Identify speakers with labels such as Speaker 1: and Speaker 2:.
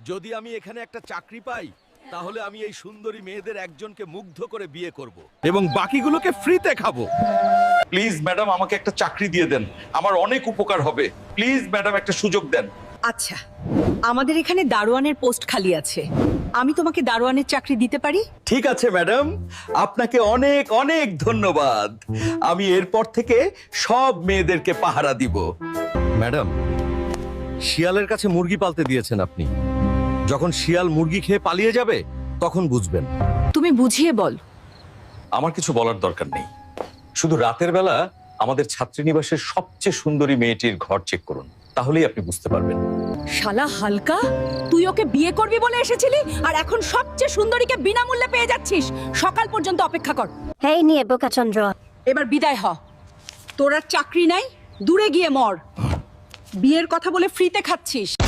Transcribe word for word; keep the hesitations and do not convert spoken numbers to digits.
Speaker 1: যদি আমি এখানে একটা চাকরি পাই তাহলে আমি এই সুন্দরী মেয়েদের একজনকে মুগ্ধ করে বিয়ে করব এবং বাকিগুলোকে ফ্রিতে খাবো। প্লিজ ম্যাডাম আমাকে একটা চাকরি দিয়ে দেন, আমার অনেক উপকার হবে। প্লিজ ম্যাডাম একটা সুযোগ দেন।
Speaker 2: আচ্ছা, আমাদের এখানে দারোয়ানের পোস্ট খালি আছে, আমি তোমাকে দারোয়ানের চাকরি দিতে পারি।
Speaker 1: ঠিক আছে ম্যাডাম, আপনাকে অনেক অনেক ধন্যবাদ। আমি এরপর থেকে সব মেয়েদেরকে পাহারা দিব। ম্যাডাম, শিয়ালের কাছে মুরগি পালতে দিয়েছেন আপনি, যখন শিয়াল মুরগি খেয়ে পালিয়ে যাবে তখন বুঝবেন।
Speaker 2: তুমি বুঝিয়ে বল।
Speaker 1: আমার কিছু বলার দরকার নেই, শুধু রাতের বেলা আমাদের ছাত্রীনিবাসের সবচেয়ে সুন্দরী মেয়েটির ঘর চেক করুন, তাহলেই আপনি বুঝতে পারবেন।
Speaker 2: শালা হালকা, তুই ওকে বিয়ে করবি বলে এসেছিলি আর এখন সবচেয়ে সুন্দরীকে বিনামূল্যে পেয়ে যাচ্ছিস। সকাল পর্যন্ত অপেক্ষা কর।
Speaker 3: এই নিয়ে বোকাচন্দ্র,
Speaker 2: এবার বিদায় হ। তোর আর চাকরি নাই, দূরে গিয়ে মর। বিয়ের কথা বলে ফ্রিতে খাচ্ছিস।